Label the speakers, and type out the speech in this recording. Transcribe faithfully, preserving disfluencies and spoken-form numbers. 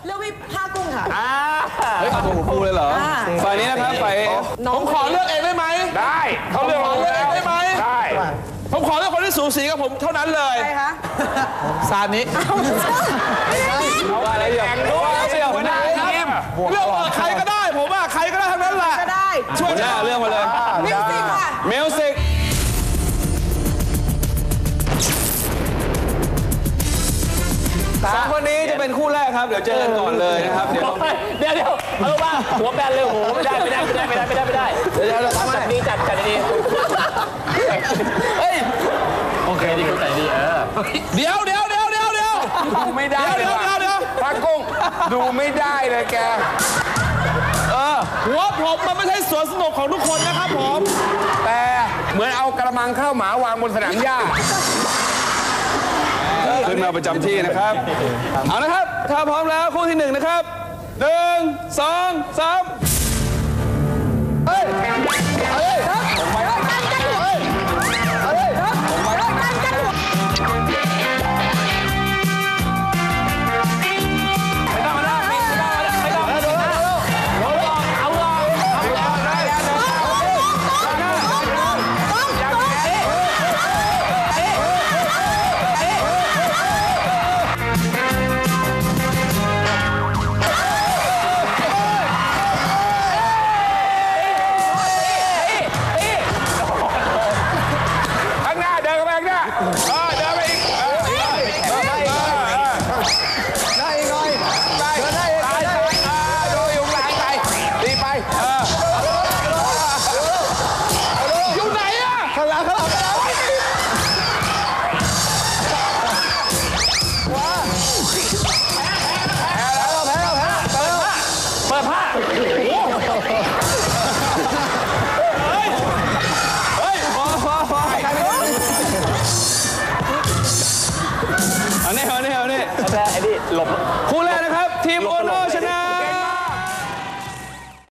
Speaker 1: เลือกพี่ผ้ากุ้งค่ะ
Speaker 2: เฮ้ยเอาตัวคู่เลยเหรอฝ่ายนี้นะครับฝ่ายผมขอเลือกเองได้ไหม
Speaker 3: ได้เขาเลือก
Speaker 2: ขอเลือกเองได้ไหม
Speaker 3: ได้
Speaker 2: ผมขอเลือกคนที่สูสีกับผมเท่านั้นเลย
Speaker 1: ใครคะ
Speaker 2: ซานิว่าอะไรอย่างว่าเสี่ยวหัวหน้าทีมเลือกใครก็ได้ผมว่าใครก็ได้ทั้งนั้นแหละ
Speaker 1: ก็ได้
Speaker 2: ช่วยหน้าเรื่องมาเลย
Speaker 1: มิวสิกค่ะ
Speaker 2: มิวสิกสามคนนี้จะเป็นคู่แรกครับเดี๋ยวเจอกันก่อนเลยนะครับเดี๋ยว
Speaker 4: เดี๋ยวเดี๋ยวเอาว่าหัวแบนเลยโหไม่ได้ไม่ได้ไม่ได้ไม่ได้ไม่ได้ไม่ได้เดี๋ยวเราทำจัดดีจัดจัดดีเฮ้ยโอเคดีคุณใจดีเออ
Speaker 2: เดี๋ยวเดี๋ยวเดี๋ยวเดี๋ยวเดี๋ยว
Speaker 3: ดูไม่ได้
Speaker 2: เดี๋ยวเดี๋ยวเดี๋ยว
Speaker 3: พระกุ้งดูไม่ได้เลยแก
Speaker 2: เออหัวผมมันไม่ใช่สวนสนุกของทุกคนนะครับผม
Speaker 3: แต่เหมือนเอากระมังข้าวหมาวางบนสนามหญ้า
Speaker 2: ขึ้นมาประจำที่นะครับเอานะครับถ้าพร้อมแล้วคู่ที่หนึ่งนะครับหนึ่งสองสามเฮ้ยเฮ้ยผมไปแล้วเฮ้ยเฮ้ยผมไปแล้วไม่ต้องมาแล้วไม่ต้องไม่ต้องไม่ต้องเอาลองเอาลองเอาลองได้แล้วคู่แรก